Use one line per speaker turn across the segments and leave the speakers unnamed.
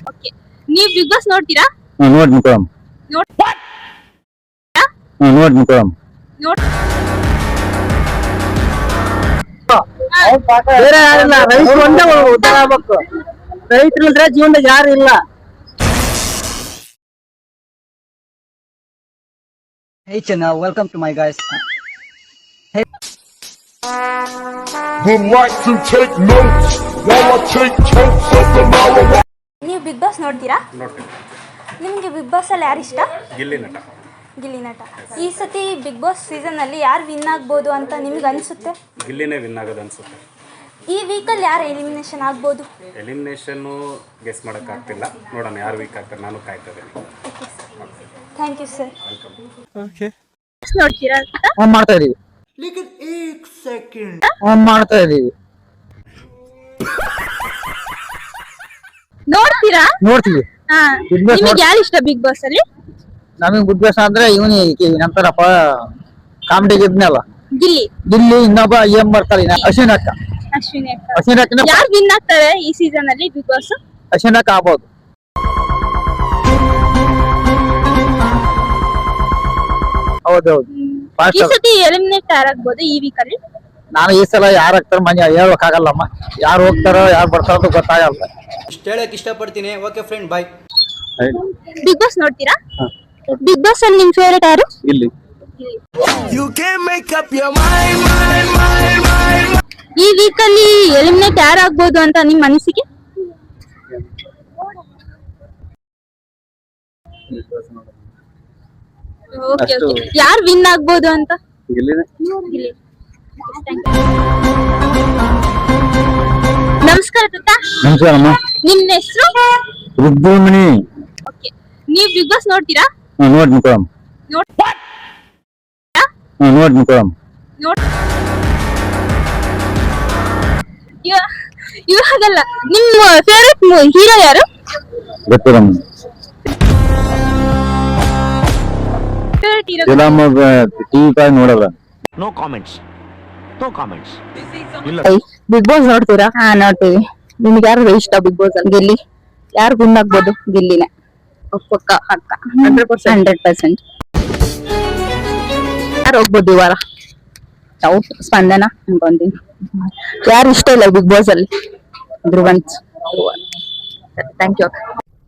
Okay ನೀವು Bigg Boss ನೋಡ್ತೀರಾ?
ನೋಡ್ ಮುಖಮ್
ನೋಡ್
ನೋಡ್ ಮುಖಮ್
ನೋಡ್
ಬೇರೆ ಯಾರಿಲ್ಲ, ರೈತರು ಒಂದೇ ಉದ್ಧಾರ ಆಗ್ಬೇಕು. ರೈತರು ಇಲ್ದ್ರೆ ಜೀವನದಾಗ ಯಾರು ಇಲ್ಲ. Hey Chana, welcome to my guys. Hey.
Would like to take notes while I take totes of the marijuana.
ನೀವು ಬಿಗ್ ಬಾಸ್ ನೋಡ್ತೀರಾ?
ನೋಡ್ತೀನಿ.
ನಿಮಗೆ ಬಿಗ್ ಬಾಸ್ ಅಲ್ಲಿ ಯಾರು ಇಷ್ಟ?
ಗಿಲ್ಲಿ ನಟ.
ಗಿಲ್ಲಿ ನಟ. ಈ ಸತಿ ಬಿಗ್ ಬಾಸ್ ಸೀಸನ್ ಅಲ್ಲಿ ಯಾರು ವಿನ್ ಆಗ್ಬೋದು ಅಂತ ನಿಮ್ಗೆ ಅನ್ಸುತ್ತೆ?
ಗಿಲ್ಲಿನೇ ವಿನ್ ಆಗೋದು ಅನ್ಸುತ್ತೆ.
ಈ ವೀಕಲ್ಲಿ ಯಾರು ಎಲಿಮಿನೇಷನ್ ಆಗ್ಬೋದು?
ಎಲಿಮಿನೇಷನ್ನು ಗೆಸ್ ಮಾಡೋಕ್ಕಾಗ್ತಿಲ್ಲ, ನೋಡೋಣ ಯಾರು ವೀಕ್ ಆಗ್ತಾರೆ, ನಾನು ಕಾಯ್ತಾ ಇದ್ದೀನಿ.
Thank you sir.
ಓಕೆ
ನೋಡ್ತೀರಾ ಅಂತ?
ಆನ್ ಮಾಡ್ತಾ ಇದೀವಿ. ಆನ್ ಮಾಡ್ತಾ ಇದೀವಿ.
ನೋಡ್ತೀರಾ?
ನೋಡ್ತೀವಿ.
ಹಾ.
Big Boss
ನಿಮಗೆ ಯಾರು ಇಷ್ಟ ಬಿಗ್ ಬಾಸ್ ಅಲ್ಲಿ?
ನಮಗೆ ಬಿಗ್ ಬಾಸ್ ಅಂದ್ರೆ ಇವನಿ ನಂತರಪ್ಪ ಕಾಮಿಡಿಗೆ ಇದ್ನಲ್ಲ
ಗಿಲ್ಲಿ.
ಗಿಲ್ಲಿ, ಇನ್ನೊಬ್ಬ ಏನ್ ಬರ್ತಾರೆ ಅಶ್ವಿನ್ ಅಕ್ಕ.
ಅಶ್ವಿನಿ ಅಕ್ಕ.
ಅಶ್ವಿನ್ ಅಕ್ಕನ
ಯಾರು ವಿನ್ ಆಗ್ತಾರೆ ಈ ಸೀಸನ್ ಅಲ್ಲಿ ಬಿಗ್ ಬಾಸ್?
ಅಶ್ವಿನ್ ಅಕ್ಕ ಆಗ್ಬೋದು. ಹೌದೌದು.
ಈ ಸತಿ ಎಲಿಮಿನೇಟ್ ಯಾರಾಗ್ಬೋದು ಈ ವೀಕ್ ಅಲ್ಲಿ?
ನಾನು ಈ ಸಲ ಯಾರು ಆಗ್ತಾರ ಮನೆ ಹೇಳ್ಬೇಕಾಗಲ್ಲಮ್ಮ, ಯಾರು ಹೋಗ್ತಾರೋ ಯಾರು ಬರ್ತಾರೋ ಅಂತ ಗೊತ್ತಾಗಲ್ಲ.
ಇಷ್ಟ ಹೇಳಕ್ ಇಷ್ಟಪಡ್ತೀನಿ. Okay friend, bye.
Bigg Boss ನೋಡ್ತೀರಾ? ಬಿಗ್ ಬಾಸ್ ಅಲ್ಲಿ ನಿಮ್ ಫೇವರೇಟ್ ಯಾರು?
ಇಲ್ಲಿ
ಈ ವೀಕ್ ಅಲ್ಲಿ ಎಲಿಮಿನೇಟ್ ಯಾರಾಗ್ಬೋದು ಅಂತ ನಿಮ್ ಅನಿಸಿಕೆ? Okay okay. ಯಾರು ವಿನ್ ಆಗ್ಬೋದು ಅಂತ?
ಇಲ್ಲಿನೇ
ಗಿಲ್ಲಿ. ನಮಸ್ಕಾರ ತಾತ.
ನಮಸ್ಕಾರಮ್ಮ.
ನಿಮ್ಮ ಹೆಸರು?
ರುದ್ರಮಣಿ.
ಓಕೆ. ನೀವು ಬಿಗ್ ಬಾಸ್ ನೋಡ್ತೀರಾ?
ನೋಡ್ ಮುಖಮ್
ನೋಡ್
ನೋಡ್ ಮುಖಮ್
ನೋಡ್ ಇವಾಗಲ್ಲ. ನಿಮ್ಮ ಫೇವರೇಟ್ ಹೀರೋ ಯಾರು?
ಗೊತ್ತಿರಮ್ಮ.
ಫೇವರೇಟ್ ಹೀರೋ
ಟಿವಿ ಕಾಯ್ ನೋಡಲ್ಲ.
No comments.
ಬಿಗ್ ಬಾಸ್ ನೋಡ್ತೀರಾ? ಹಾ ನೋಡ್ತೀವಿ. ನಿಮ್ಗೆ ಯಾರು ಇಷ್ಟ ಬಿಗ್ ಬಾಸ್ ಅಲ್ಲಿ? ಗಿಲ್ಲಿ. ಯಾರು ವಿನ್ ಆಗ್ಬೋದು? ಗಿಲ್ಲಿನೇ ಪಕ್ಕ ಪಕ್ಕ 100%. ಯಾರು ಹೋಗ್ಬೋದು ಈ ವಾರ? ಡೌಟ್ ಸ್ಪಂದನ ಅನ್ಕೊಂತೀನಿ. ಯಾರು ಇಷ್ಟ ಇಲ್ಲ ಬಿಗ್ ಬಾಸ್ ಅಲ್ಲಿ? ಧ್ರುವಂತ್. Thank you.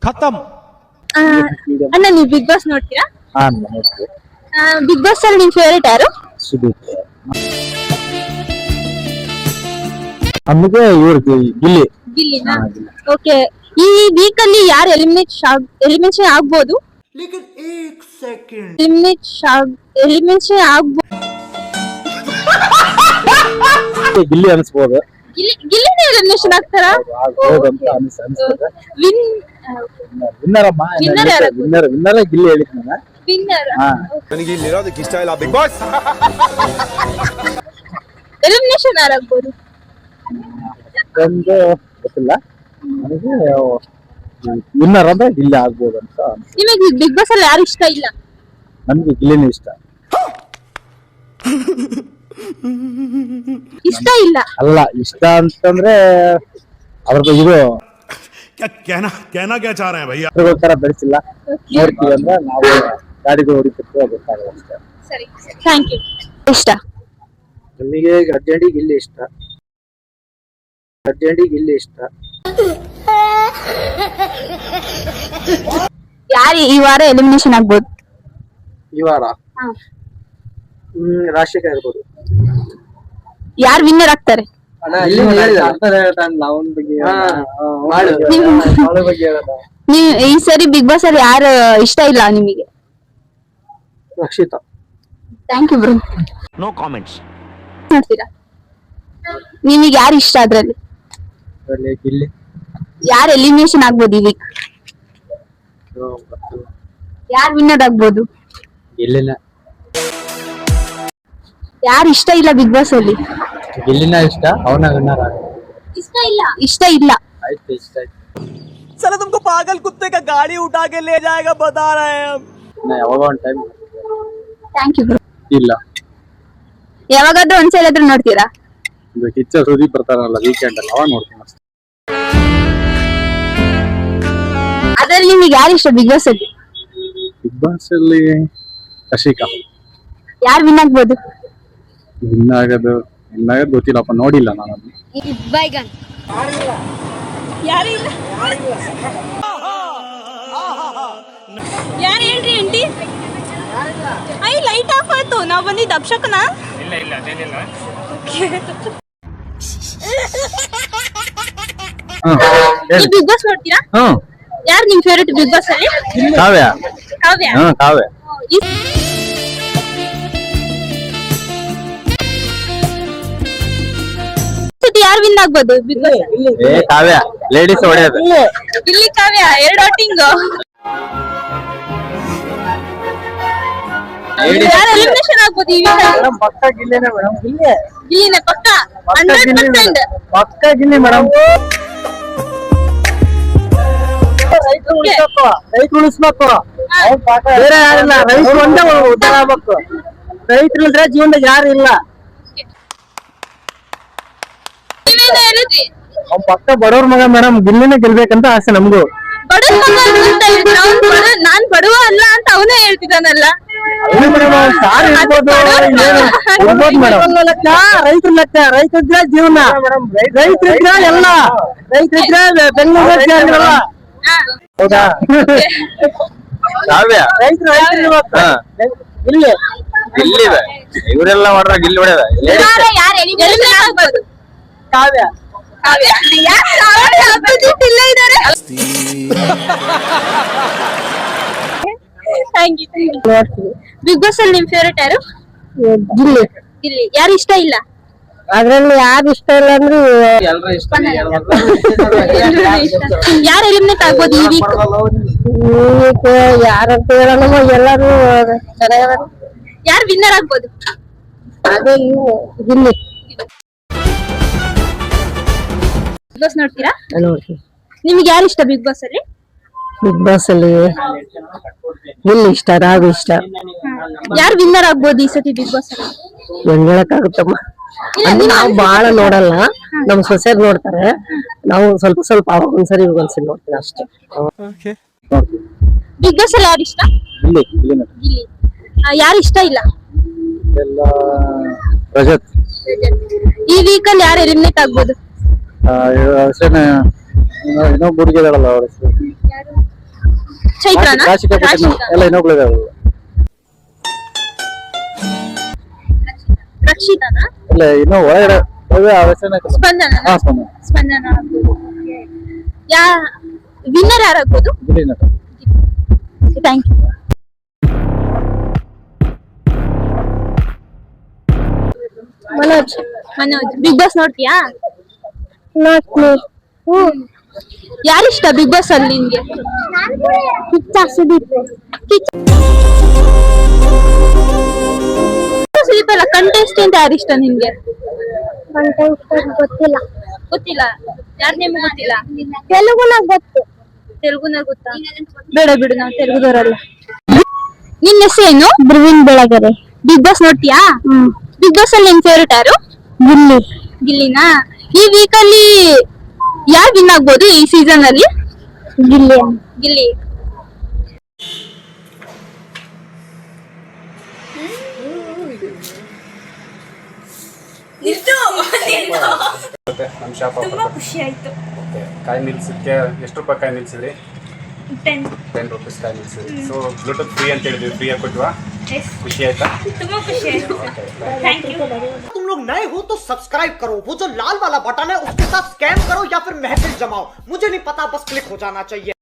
ಅಣ್ಣ ನೀವು ಬಿಗ್ ಬಾಸ್ ನೋಡ್ತೀರಾ?
ಹಾ ನೋಡ್ತೀವಿ.
ಬಿಗ್ ಬಾಸ್ ಅಲ್ಲಿ ನಿಮ್ ಫೇವರೇಟ್ ಯಾರು?
ಸುದೀಪ್. ನಮಗೆ ಇವ್ರು ಗಿಲ್ಲಿ.
ಗಿಲ್ಲಿನಾ? ಓಕೆ. ಈ ವೀಕ್ ಅಲ್ಲಿ ಯಾರು ಎಲಿಮಿನೇಷನ್ ಆಗ್ಬೋದು? ಎಲಿಮಿನೇಷನ್ ಆಗ್ಬೋದು.
ಗಿಲ್ಲಿ ಅನ್ಸ್ಬೋದು.
ಗಿಲ್ಲಿನೇ ಎಲಿಮಿನೇಷನ್ ಆಗ್ತಾರಾ?
ಆಗ್ಬೋದಂತ ಅನ್ಸ್ತದೆ. ವಿನ್ನರ್ ಅಮ್ಮ.
Winner ಯಾರು?
ವಿನ್ನರ್ ಗಿಲ್ಲಿ ಹೇಳಿದ್ ನಾನು.
ವಿನ್ನರ್.
ನನಗೆ ಇಲ್ಲಿ ಇರೋದಕ್ಕೆ ಇಷ್ಟ ಇಲ್ಲ ಬಿಗ್ ಬಾಸ್.
ಎಲಿಮಿನೇಷನ್ ಯಾರಾಗ್ಬೋದು?
ಒಂದು ಗೊತ್ತಿಲ್ಲ ನನಗೆ. ವಿನ್ನರ್ ಅಂದ್ರೆ ಗಿಲ್ಲಿ ಆಗ್ಬೋದು ಅಂತ.
ನಿಮಗೆ ಬಿಗ್ ಬಾಸ್ ಅಲ್ಲಿ ಯಾರು ಇಷ್ಟ ಇಲ್ಲ?
ನಮ್ಗೆ ಗಿಲ್ಲಿನೇ ಇಷ್ಟ.
ಇಷ್ಟ ಇಲ್ಲ
ಅಲ್ಲ, ಇಷ್ಟ ಅಂತಂದ್ರೆ ಅದ್ರ ಇದು
कहना क्या चाह रहे हैं भैया?
ತರ ಬೆಳೆಸಿಲ್ಲ. ನೋಡ್ತೀವಿ ಅಂದ್ರೆ ನಾವು ಗಾಡಿಗಳು ಹೊಡಿತಿರ್ತೀವಿ, ಗೊತ್ತಾಗಲ್ಲ ಅಷ್ಟೇ.
ಸರಿ, ಥ್ಯಾಂಕ್ ಯು.
ಇಷ್ಟ
ನಮಗೆ ಗಡ್ಜಡಿ ಗಿಲ್ಲಿ ಇಷ್ಟ.
ಯಾರು ಈ ವಾರ ಎಲಿಮಿನೇಷನ್ ಆಗ್ಬೋದು?
ಈ ವಾರ ರಾಶಿಕಾ ಇರ್ಬೋದು.
ಯಾರು ವಿನ್ನರ್ ಆಗ್ತಾರೆ? ನೀವು ಈ ಸರಿ ಬಿಗ್ ಬಾಸ್ ಅಲ್ಲಿ ಯಾರು ಇಷ್ಟ ಇಲ್ಲ ನಿಮಗೆ?
Rakshita.
Thank you bro.
No comments.
ನೋಡ್ತೀರಾ? ನಿಮಗೆ ಯಾರು ಇಷ್ಟ ಅದ್ರಲ್ಲಿ?
ಗಿಲ್ಲಿ.
ಯಾರು ಎಲಿಮಿನೇಷನ್ ಆಗ್ಬೋದು ಈ ವೀಕ್? ಯಾರು ವಿನ್ನರ್ ಆಗ್ಬೋದು?
ಗಿಲ್ಲಿನ.
ಯಾರು ಇಷ್ಟ ಇಲ್ಲ ಬಿಗ್ ಬಾಸ್ ಅಲ್ಲಿ?
ಗಿಲ್ಲಿನ ಇಷ್ಟ, ಅವನ ವಿನ್ನರ್ ಆಗ.
ಇಷ್ಟ ಇಲ್ಲ.
ಆಯ್ತು, ಇಷ್ಟ ಆಯ್ತು.
साला तुमको पागल कुत्ते का गाड़ी उठा के ले जाएगा बता रहे हैं हम.
ಯಾವಾಗ ಒಂದು ಟೈಮ್
ಥ್ಯಾಂಕ್ ಯು ಬ್ರೋ.
ಇಲ್ಲ,
ಯಾವಾಗಾದ್ರೂ ಒಂದ್ಸಲ ಆದ್ರೂ ನೋಡ್ತೀರಾ?
ಸುದೀಪ್ ಬರ್ತಾರಲ್ಲ ವೀಕೆಂಡ್ ಅಲ್ಲಿ, ಅವಾಗ ನೋಡ್ತೀನಿ ಅಷ್ಟೇ.
ನಿಮಗೆ ಯಾರು ಇಷ್ಟ ಬಿಗ್ ಬಾಸ್ ಅಲ್ಲಿ?
ಬಿಗ್ ಬಾಸ್ ಅಲ್ಲಿ ಕಶಿಕಾ
ಯಾರು ವಿನ್ ಆಗ್ಬೋದು?
ವಿನ್ ಆಗೋದು ಗೊತ್ತಿಲ್ಲಪ್ಪ, ನೋಡಿಲ್ಲ ನಾನು.
ಬೈಗನ್ ಯಾರು ಇಲ್ಲ ಯಾರು ಹೇಳ್ರಿ ಆಂಟಿ? ಐ ಲೈಟ್ ಆಫ್ ಆಯ್ತು, ನಾವು ಬಂದಿದ್ದು ಅಪ್ಶಕನ.
ಇಲ್ಲ ಅದೇನಿಲ್ಲ.
ಬಿಗ್ ಬಾಸ್ ನೋಡ್ತೀರಾ? ಯಾರು ನಿಮ್ ಫೇವರೇಟ್ ಬಿಗ್ ಬಾಸ್ ಅಲ್ಲಿ?
ಕಾವ್ಯ.
ಕಾವ್ಯ.
ಕಾವ್ಯ.
ಯಾರು ವಿನ್ ಆಗ್ಬೋದು ಬಿಗ್ ಬಾಸ್?
ಕಾವ್ಯ ಲೇಡೀಸ್ ಹೊಡೆಯೋದು.
ಇಲ್ಲಿ ಕಾವ್ಯ 2 ವೋಟಿಂಗ್. ಯಾರು ಎಲಿಮಿನೇಷನ್ ಆಗ್ಬೋದು ಈ ವೀಕ್?
ಪಕ್ಕ ಗಿಲ್ಲಿನೇ ಮೇಡಮ್.
ಇಲ್ಲಿನೇ ಪಕ್ಕ 100%.
ಪಕ್ಕ ಗಿಲ್ಲಿ ಮೇಡಮ್. ರೈತ ಉಳಿಸ್ಬೇಕು, ಬೇರೆ ಯಾರಿಲ್ಲ. ರೈತರು ಒಂದೇ ಉದ್ಧಾರ ಆಗ್ಬೇಕು. ರೈತರು ಇಲ್ದ್ರೆ ಜೀವನದಾಗ ಯಾರು ಇಲ್ಲ.
ನೀವೇನು ಹೇಳಿದ್ರಿ?
ಅವ್ನ್ ಪಕ್ಕ ಬಡವ್ರ ಮಗ ಮೇಡಮ್. ಗಿಲ್ಲಿನೇ ಗೆಲ್ಬೇಕಂತ ಆಸೆ ನಮ್ಗೂ.
ಬಡವ ಅಂತ ಹೇಳಿದ್ರೆ ನಾನ್ ಬಡವ ಅಲ್ಲ ಅಂತ ಅವನೇ ಹೇಳ್ತಿದ್ದಾನಲ್ಲ. ರೈತರ ಲೆಕ್ಕ, ರೈತರಿದ್ರೆ ಜೀವನ, ರೈತರಿದ್ರೆ ಎಲ್ಲ, ರೈತರಿದ್ರೆ ಬೆಂಗಳೂರು. ಹೌದಾ?
ಕಾವ್ಯ
ರೈತರು ಇಲ್ಲಿ
ಗಿಲ್ಲಿದೆ, ಇವರೆಲ್ಲ ಮಾಡ್ರ ಗಿಲ್ಲಿ ಹೊಡೆದ.
ಕಾವ್ಯ
ಬಿಗ್ ಬಾಸ್ ಅಲ್ಲಿ ನಿಮ್ ಫೇವರೇಟ್ ಯಾರು?
ಗಿಲ್ಲಿ.
ಗಿಲ್ಲಿ. ಯಾರು ಇಷ್ಟ ಇಲ್ಲ?
ಅದ್ರಲ್ಲಿ ಯಾರು ಇಷ್ಟ ಇಲ್ಲ ಅಂದ್ರೆ
ಯಾರು ಎಲಿಮಿನೇಟ್ ಆಗ್ಬೋದು ಈ ವೀಕ್?
ಯಾರಂತ ಹೇಳೋಣ, ಎಲ್ಲರೂ ಚೆನ್ನಾಗ.
ಯಾರು ವಿನ್ನರ್ ಆಗ್ಬೋದು?
ಅದೇ ಗಿಲ್ಲಿ.
ಬಿಗ್ ಬಾಸ್ ನೋಡ್ತೀರಾ?
ನೋಡ್ತೀನಿ.
ನಿಮ್ಗೆ ಯಾರು ಇಷ್ಟ ಬಿಗ್ ಬಾಸ್ ಅಲ್ಲಿ?
ಬಿಗ್ ಬಾಸ್ ಅಲ್ಲಿ ಗಿಲ್ಲಿ ಇಷ್ಟ, ರಾಘು ಇಷ್ಟ.
ಯಾರು ವಿನ್ನರ್ ಆಗ್ಬೋದು ಈ ಸತಿ ಬಿಗ್ ಬಾಸ್ ಅಲ್ಲಿ?
ಹೆಂಗ್ ಹೇಳಕ್ಕಾಗುತ್ತಮ್ಮ, ಅಂದ್ರೆ ನಾವು ಬಾಳ ನೋಡಲ್ಲ, ನಮ್ ಸೊಸೆಯರ್ ನೋಡ್ತಾರೆ. ನಾವು ಸ್ವಲ್ಪ ಅವಾಗ ಒಂದ್ಸರಿ ಒಂದ್ಸರಿ ನೋಡ್ತೀನಿ ಅಷ್ಟೇ.
ಬಿಗ್ ಬಾಸ್ ಅಲ್ಲಿ ಯಾರು ಇಷ್ಟ? ಗಿಲ್ಲಿ. ಯಾರು ಇಷ್ಟ ಇಲ್ಲ?
ರಜತ್.
ಈ ವೀಕ್ ಅಲ್ಲಿ ಯಾರು ಎಲಿಮಿನೇಟ್ ಆಗ್ಬೋದು?
ಇನ್ನೊಬ್ಬ ಹುಡುಗಿದಾಳಲ್ಲ ಅವ್ರ ಹೆಸರು
ಚೈತ್ರನಾ?
ಎಲ್ಲ ಇನ್ನೊಬ್ಳಿದಾಳ.
ರಕ್ಷಿತಾನಾ?
ಇಲ್ಲ ಇನ್ನೂ ಒಳಗಡೆ
ಸ್ಪಂದನ. ಸ್ಪಂದನ ಯಾ ವಿನ್ನರ್ ಯಾರಾಗ್ಬೋದು? Thank you. Manoj Bigg Boss ನೋಡ್ತೀಯಾ? ಯಾರಿಷ್ಟ ಬಿಗ್ ಬಾಸ್ ಅಲ್ಲಿ ನಿನ್ಗೆ? ಸುದೀಪ್ ಅಲ್ಲ, ಕಂಟೆಸ್ಟೆಂಟ್ ಯಾರಿಷ್ಟ ನಿನ್ಗೆ? ಗೊತ್ತಿಲ್ಲ. ಯಾರ ನೇಮ್ ಗೊತ್ತಿಲ್ಲ? ತೆಲುಗುನಾಗ ಗೊತ್ತು. ತೆಲುಗುನಾಗ ಗೊತ್ತಾ? ಬೇಡ ಬಿಡು, ನಾವು ತೆಲುಗುದವರಲ್ಲ. ನಿನ್ನ ಹೆಸರೇನು? ಬ್ರವೀಣ್ ಬೆಳಗೆರೆ. ಬಿಗ್ ಬಾಸ್ ನೋಡ್ತೀಯಾ? ಬಿಗ್ ಬಾಸ್ ಅಲ್ಲಿ ನಿನ್ ಫೇವರೇಟ್ ಯಾರು? ಗಿಲ್ಲಿ. ಗಿಲ್ಲಿನಾ? ಈ ವೀಕ್ ಅಲ್ಲಿ ಯಾರು ವಿನ್ ಆಗ್ಬೋದು ಈ ಸೀಸನ್ ಅಲ್ಲಿ? ಗಿಲ್ಲಿ.
ನಮ್ಮ ಶಾಪ್
ತುಂಬಾ ಖುಷಿ ಆಯ್ತು.
ಕಾಯಿ ನಿಲ್ಸಕ್ಕೆ ಎಷ್ಟು ರೂಪಾಯಿ ಕಾಯಿ ನಿಲ್ಸಿದ್ರಿ? 10 ರೂಪೀಸ್ ಕಾಯಿ ನಿಲ್ಸಿದ್ರಿ. ಸೊ ಬ್ಲೂಟೂತ್ ಫ್ರೀ ಅಂತ ಹೇಳಿದ್ವಿ, ಫ್ರೀ ಆಗಿ ಕೊಟ್ವಾ? ಖುಷಿ ಆಯ್ತಾ?
ತುಂಬಾ ಖುಷಿ ಆಯ್ತು. Thank you.
तुम लोग नए हो तो सब्सक्राइब करो, वो जो लाल वाला बटन है उसके साथ स्कैम करो या फिर महफिल जमाओ, मुझे नहीं पता, बस क्लिक हो जाना चाहिए।